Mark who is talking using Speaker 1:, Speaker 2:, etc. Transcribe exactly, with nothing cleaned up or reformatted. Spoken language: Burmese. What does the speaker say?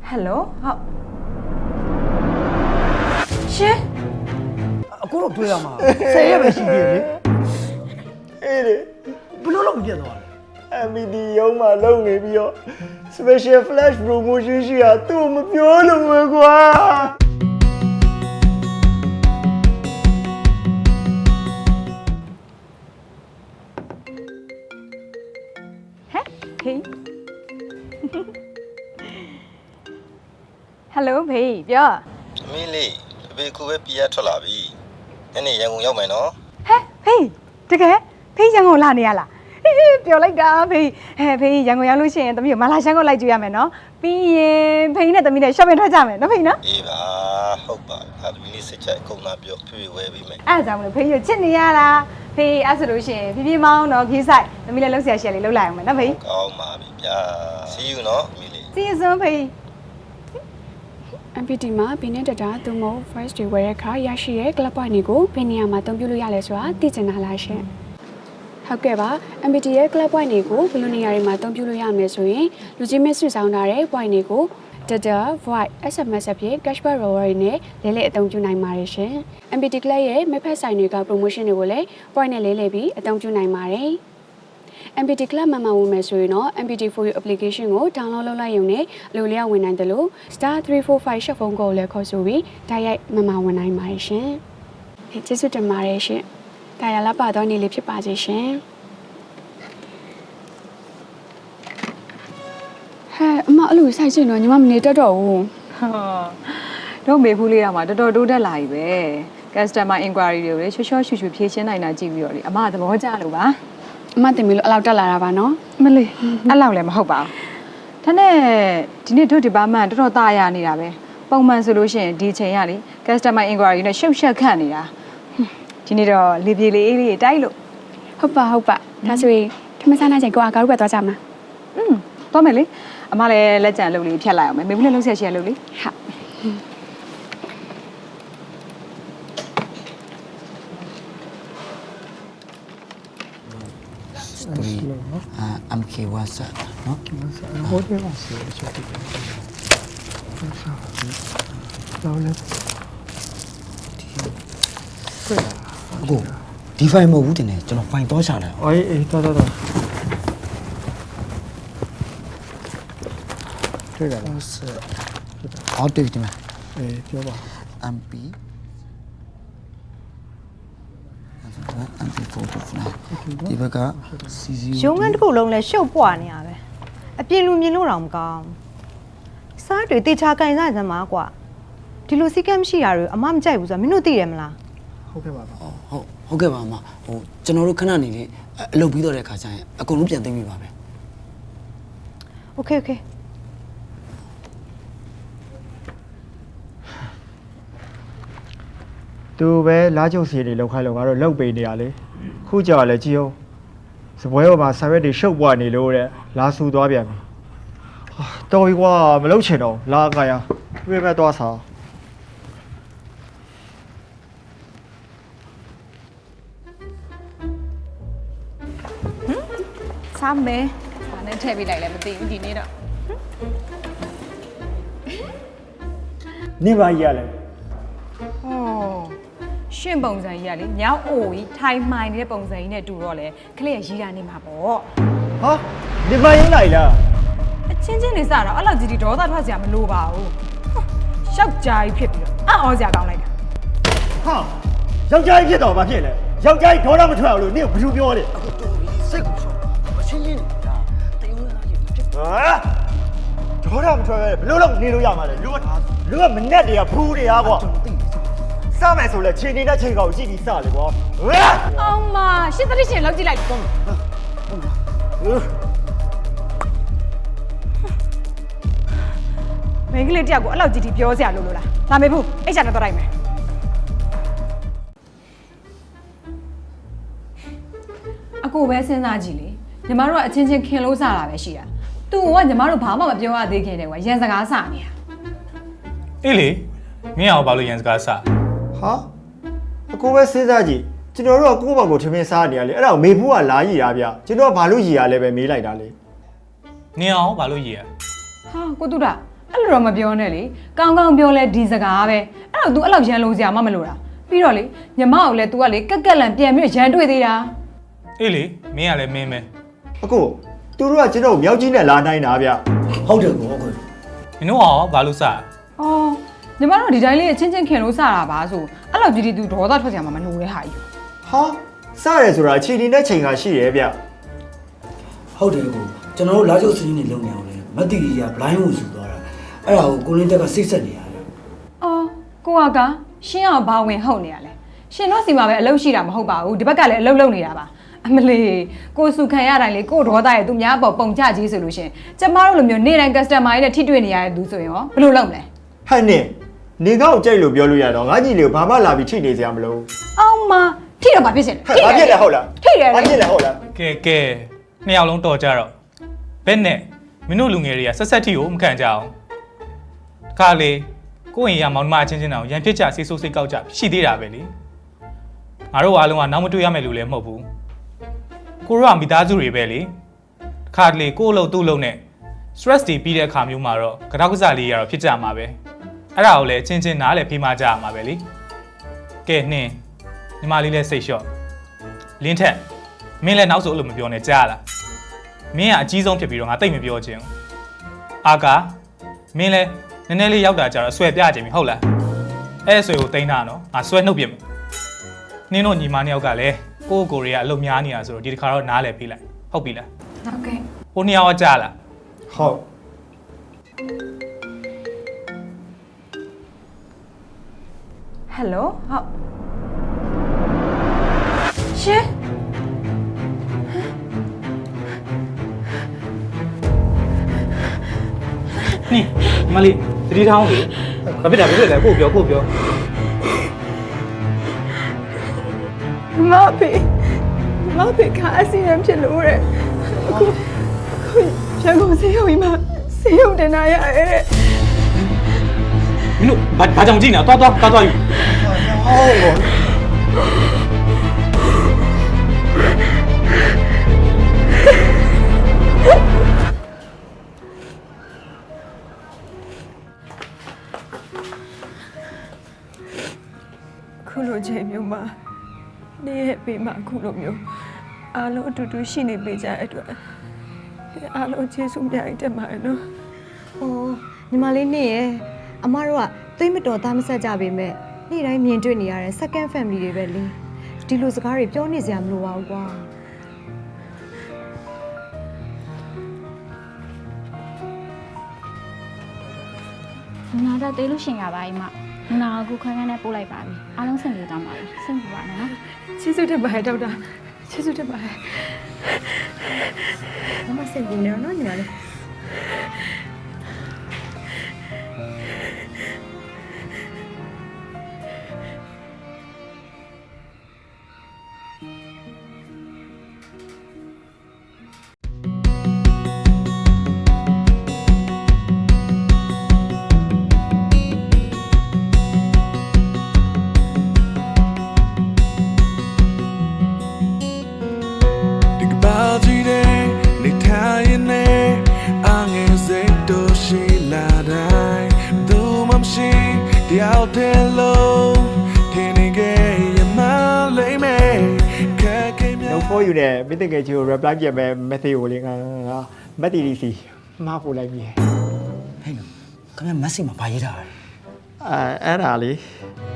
Speaker 1: Hello ဟုတ်ရှင်
Speaker 2: အခုတော့တွေ့ရမှာဆယ်ရက်ပဲရှိသေးတယ်လေအေးလေဘလို့လုံးပြတ်သွားလဲ
Speaker 3: M V D ရုံးမှာလုံနေပြီးတော့ special flash promotion ရှိတာသူ့မပြောလို့ပဲကွာ
Speaker 1: ဟဲ့ဟေး Hello ဖေးပြော
Speaker 4: အမေလေးအဖေကူပဲပြရထွက်လာပြီညနေရန်ကုန်ရောက်မယ်နော်
Speaker 1: ဟဲ့ဖေးတကယ်ဖေးရန်ကုန်လာနေရလားဟေးပြောလိုက်တာဖေးဟဲ့ဖေးရန်ကုန်ရောက်လို့ရှိရင်တမီးကိုမလာရှမ်းကိုလိုက်ကြည့်ရမယ်နော်ပြီးရင်ဖေးနဲ့တမီးနဲ့ shopping ထွက်ကြမယ်နော်ဖေးနော်
Speaker 4: အေးပါဟုတ်ပါအဲ့သမီးလေးစစ်ချက်အကုန်လာပြောဖေးဝဲပြီးမယ်
Speaker 1: အဲ့ဒါကြောင့်မလို့ဖေးရချစ်နေရလားဖေးအဲ့ဆိုလို့ရှိရင်ဖြည်းဖြည်းမောင်းတော့ခီးဆိုင်တမီးလည်းလှုပ်ရှားရှယ်လေးလှုပ်လိုက်အောင်မယ်နော်ဖေး
Speaker 4: ကောင်းပါပြီဗျာ see you နော်အမေလေး
Speaker 1: see you soon ဖေး
Speaker 5: M P T မှာဘီနဲ့တတာသူမဟုတ် first day ဝယ်တဲ့အခါရရှိတဲ့ club point တွေကိုဘယ်နေရာမှာအသုံးပြုလို့ရလဲဆိုတာသိချင်တာလားရှင်ဟုတ်ကဲ့ပါ M P T ရဲ့ club point တွေကိုဘယ်လိုနေရာတွေမှာအသုံးပြုလို့ရမလဲဆိုရင်လူကြီးမစ်စုဆောင်ထားတဲ့ point တွေကို data void S M S အဖြစ် cashback reward တွေနဲ့လဲလှယ်အသုံးပြုနိုင်ပါတယ်ရှင် M P T club ရဲ့ member site တွေက promotion တွေကိုလည်း point နဲ့လဲလှယ်ပြီးအသုံးပြုနိုင်ပါတယ် M P T Club မှာမှာဝင်မယ်ဆိုရင်တော့ M P T for you application ကို download လုပ်လိုက်ရုံနဲ့အလိုလျောက်ဝင်နိုင်တယ်လို့ star three four five ရှက်ဖုန်းကိုလည်းခေါ်ဆိုပြီးတိုက်ရိုက်မှာမှာဝင်နိုင်ပါတယ်ရှင်။ဟဲ့ကျေးဇူးတင်ပါတယ်ရှင်။ဒါရလာပါတော့နေလေးဖြစ်ပါစေရှင်။ဟဲ့အမအဲ့လိုဆိုင်ချင်တော့ညီမမနေတတ်တော့ဘူး
Speaker 1: ။ဟာတော့မေဖူးလေးတော့မှတော်တော်တိုးတက်လာပြီပဲ။ customer inquiry တွေကိုလေချောချောရှူရှူဖြေရှင်းနိုင်တာကြည့်ပြီးတော့လေအမကသဘောကျလို့ပါ။
Speaker 5: အမတင်ပြီလို့အလောက်တက်လာတာပါနော်
Speaker 1: မလေးအဲ့လောက်လည်းမဟုတ်ပါဘူးဒါနဲ့ဒီနေ့တို့ဒီပါမှန်တော်တော်သားရနေတာပဲပုံမှန်ဆိုလို့ရှိရင်ဒီချိန်ရလေ customer inquiry နဲ့ရှုပ်ရှက်ခန့်နေတာဒီနေ့တော့လေပြေလေးလေးတိုက်လို့
Speaker 5: ဟုတ်ပါဟုတ်ပါဒါဆိုရင်ထမစားနိုင်ချိန်ကိုအကားတို့ပဲသွားကြမှာ
Speaker 1: อืมသွားမယ်လေအမလည်းလက်ကြံလုပ်လေးဖြတ်လိုက်အောင်မယ်မေဘူးလည်းလှုပ်ဆက်ရှယ်လုပ်လေ
Speaker 5: ဟုတ်
Speaker 2: အာ M K WhatsApp နော်ဟိုတယ်ပါစေချက်တယ်တော့လည်းအခုဒီ file မဟုတ်ဘူးတင်တယ်ကျွန်တော် file တော့ချလိုက်
Speaker 3: အော်အေးတော်တော်တော်တွေ့တယ်လား
Speaker 2: ဟောတွေ့တယ်မ
Speaker 3: အေးပြောပါ
Speaker 2: M P M P four to five ဒီဘက်က C zero
Speaker 6: ရုံးခန်းတစ်ခုလုံးလဲရှုပ်ပွားနေရပဲအပြင်လူမြင်လို့တော့မကောင်းစားတွေတေချာကန်စားစမ်းပါကွာဒီလိုစီကမ်းမရှိတာတွေအမမကြိုက်ဘူးဆိုတာမင်းတို့သိတယ်မလား
Speaker 3: ဟုတ်ကဲ့ပါပါ
Speaker 2: ဟုတ်ဟုတ်ကဲ့ပါအမဟိုကျွန်တော်တို့ခဏနေလေးအလုပ်ပြီးတော့တဲ့ခါကျရင်အကုန်လုံးပြန်သိမ်းပြီပါပဲ
Speaker 6: โอเคโอเค
Speaker 3: သူပဲလားကျုပ်စီတွေလောက်ခိုင်းလောက်ကတော့လောက်ပေးနေရလေခုကြော်လဲကြည့်အောင်စပွဲပေါ်မှာဆာရက်တွေရှုပ်ပွားနေလို့တဲ့လာဆူသွားပြန်ပြီတော်ပြီကွာမလုပ်ချင်တော့လာကရပြည့်ပဲသွားစား
Speaker 1: စားမယ်ဘာနဲ့ထည့်ပေးလိုက်လဲမသိဘူးဒီနေ့တော့
Speaker 3: နေပါကြီးရလဲ
Speaker 1: ဟောရှင်းပုံစံကြီးကလေညောင်းအိုကြီးထိုင်မှိုင်နေတဲ့ပုံစံကြီးနဲ့တူတော့လေခလေးရရေးတာနေမှာပေါ့
Speaker 3: ဟာနေပါရင်လိုက်လား
Speaker 1: အချင်းချင်းနေစတော့အဲ့လောက်ကြီးဒီဒေါသထွက်စရာမလိုပါဘူးရှောက်ကြားကြီးဖြစ်ပြီးတော့အံ့ဩစရာကောင်းလိုက်တာ
Speaker 3: ဟာယောက်ျားကြီးဖြစ်တော့ဘာဖြစ်လဲယောက်ျားကြီးဒေါသမထွက်အောင်လို့နင့်ကိုဘယ်လိုပြောလဲ
Speaker 2: အခုတော်ပြီစိတ်ကိုချောအချင်းချင်းနေတာတယုံလာကြီးဖြစ်
Speaker 3: ဟာဒေါသမထွက်ရဲဘယ်လိုလုပ်နေလို့ရမှာလဲလူကလူကမနဲ့တွေကဖူးတွေကကွာစမယ်ဆိုလဲခြေနေတဲ့ချိန်ကောင်ရှိပြီးစလေကွာဟဲ့
Speaker 1: အောင်မရှစ်သတိရှင်လောက်ကြည့်လိုက်တော့မင်းကလေးတယောက်ကိုအဲ့လောက်ကြီးတီပြောစရာလို့လို့လားလာမေဘူးအိတ်ချာနဲ့တော့လိုက်မယ်အကိုပဲစဉ်းစားကြည့်လေညီမတို့ကအချင်းချင်းခင်လို့စတာပဲရှိတာသူကညီမတို့ဘာမှမပြောရသေးခင်တည်းကွာရန်စကားစနေတာ
Speaker 7: အေးလေမင်းအောင်ဘာလို့ရန်စကားစ
Speaker 3: ဟာအကိုပဲစဉ်းစားကြည့်ကျွန်တော်တို့ကကိုယ့်ဘာကိုထမင်းစားနေရလေအဲ့ဒါကိုမေဖူးကလာရည်ရဗျကျွန်တော်ကဘာလို့ရည်ရလဲပဲမေးလိုက်တာလေ
Speaker 7: နင်အောင်ဘာလို့ရည်ရ
Speaker 1: ဟာကိုတူတာအဲ့လိုတော့မပြောနဲ့လေကောင်းကောင်းပြောလဲဒီစကားပဲအဲ့တော့ तू အဲ့လောက်ရန်လုံးစရာမှမလိုတာပြီးတော့လေညီမကိုလည်း तू ကလေကက်ကက်လန်ပြန်ပြီးရန်တွေ့သေးတာ
Speaker 7: အေးလေမင်းကလည်းမင်းပဲ
Speaker 3: အကိုသူတို့ကကျွန်တော်မြောက်ကြီးနဲ့လာနိုင်တာဗျ
Speaker 2: ဟုတ်တယ်ကောကို
Speaker 7: မင်းတို့ကဘာလို့စတာ
Speaker 1: အော်ညီမတို့ဒီတိုင်းလေးချင်းချင်းခင်လို့စတာပါဆိုအဲ့လောက်ကြီးဒီ तू ဒေါသထွက်စရာမှမလိုတဲ့ဟာကြီး
Speaker 3: ဟာစရဲဆိုတာခြေဒီနဲ့ချိန်ကရှိရဲဗျ
Speaker 2: ဟုတ်တယ်ကိုကျွန်တော်တို့လာကျုပ်စီးနေလုံနေအောင်လေမတ်တီကြီးက blind ကိုယူသွားတာအဲ့ဒါကိုကိုလင်းတက်ကစိတ်ဆက်နေရတယ်
Speaker 1: အော်ကိုကကရှင်းအောင်ဘာဝင်ဟုတ်နေရလဲရှင်တို့စီမှာပဲအလုပ်ရှိတာမဟုတ်ပါဘူးဒီဘက်ကလည်းအလုပ်လုပ်နေတာပါအမလေးကိုစုခံရတိုင်းလေကိုဒေါသရဲ့သူများပေါ်ပုံချကြီးဆိုလို့ရှင်ကျမတို့လိုမျိုးနေ့တိုင်း customer တွေနဲ့ထိတွေ့နေရတဲ့သူဆိုရင်ရောဘယ်လိုလုပ်မလဲ
Speaker 3: ဟဲ့နေနေကောက်ကြိုက်လို့ပြောလို့ရတော့ငါကြီးလေးကိုဘာမှလာပြီးထိနေစရာမလို
Speaker 1: အောင်မထိတော့ဘာဖြစ်စင်လဲ
Speaker 3: ဟဲ့ဘာဖြစ်လဲဟုတ်လား
Speaker 1: ထိတယ်
Speaker 3: ဘာ
Speaker 1: လေ
Speaker 3: ဖြစ်လဲဟုတ်လား
Speaker 7: ကဲကဲနှစ်ယောက်လုံးတော်ကြတော့ဘယ်နဲ့မင်းတို့လူငယ်တွေကဆက်ဆက်ထီကိုမခံကြအောင်ခါလေကိုယ့်ရင်ရမောင်နှမအချင်းချင်းတောင်ရန်ဖြစ်ကြဆေးဆိုးစိတ်ကောက်ကြရှိသေးတာပဲလေငါတို့အားလုံးကနောက်မတွေ့ရမယ်လို့လည်းမဟုတ်ဘူးကိုတို့ကမိသားစုတွေပဲလေခါလေကိုယ့်အလုပ်သူ့အလုပ်နဲ့ stress တွေပြီးတဲ့အခါမျိုးမှာတော့ကြောက်ကစားလေးရတော့ဖြစ်ကြမှာပဲအဲ့ဒါကိုလည်းချင်းချင်းနားလည်းဖေးမကြရမှာပဲလေကဲနှင်းညီမလေးလည်းစိတ်လျှော့လင်းထက်မင်းလည်းနောက်ဆိုအဲ့လိုမပြောနဲ့ကြားလားမင်းကအကြီးဆုံးဖြစ်ပြီးတော့ငါတိတ်မပြောချင်ဘူးအာကာမင်းလည်းနည်းနည်းလေးရောက်တာကြတော့အဆွဲပြချင်ပြီဟုတ်လားအဲ့အဆွဲကိုတိန်းတာနော်ငါဆွဲနှုတ်ပြမယ်နင်းတို့ညီမနှစ်ယောက်ကလည်းကိုယ့်ကိုယ်တွေကအလုပ်များနေတာဆိုတော့ဒီတစ်ခါတော့နားလည်ပေးလိုက်ဟုတ်ပြီလား
Speaker 1: ဟုတ်ကဲ့
Speaker 7: ဟိုနှစ်ယောက်ကကြားလား
Speaker 3: ဟုတ်
Speaker 1: ဟယ်လိုဟုတ်ရှင်
Speaker 7: နင်းညီမလေးသတိထားအောင်လေဘာဖြစ်တာဖြစ်လဲကိုပြောကိုပြော
Speaker 1: မဖေမဖေကအစီအမံဖြစ်လို့တဲ့အခုအခုရန်ကုန်စေးရုံကြီးမှာစေးရုံတင်လာရတယ်တဲ့
Speaker 7: မင်းတို့ဘာဘာကြောင့်ကြည့်နေတာတွားတွားတွားတွားယူ
Speaker 3: ဟုတ်
Speaker 1: ခုလိုချိန်မျိုးမှာနေ့ရဲ့ပေးမှာခုလိုမျိုးအားလုံးအတူတူရှိနေပေးကြတဲ့အတွက်အားလုံးကျေးဇူးများကြီးတင်ပါတယ်နော်
Speaker 6: ။အော်ညီမလေးနေရဲ့အမတို့ကသိမတော်သားမဆက်ကြပေမဲ့နေ့တိုင်းမြင်တွေ့နေရတဲ့ second family တွေပဲလေ။ဒီလိုစကားတွေပြောနေစရာမလိုပါဘူးကွာ
Speaker 8: နာတော့တေးလို့ရှင်ရပါ යි မနာကခုခွန်းခန်းနဲ့ပို့လိုက်ပါပြီအားလုံးဆင်ပြေသွားပါပြီဆင်ပြေပါနဲ့နော်
Speaker 1: ကျေးဇူးတင်ပါတယ်ဒေါက်တာကျေးဇူးတင်ပါတယ်
Speaker 6: ။မမစိတ်ကူနေတော့နော်ညီမလေး
Speaker 9: Out there low, can you get my lame?
Speaker 3: နောက်ဖို့ယူနေမိတဲ့ငယ်ကြီးကို reply ပြမယ် message ကိုလေငါမက်တီဒီစီမှားပို့လိုက်ပြီ
Speaker 2: ဟဲ့နော်ခင်ဗျမက်ဆေ့မှာဘာရေးထားလဲ
Speaker 3: အဲအဲ့ဒါလေ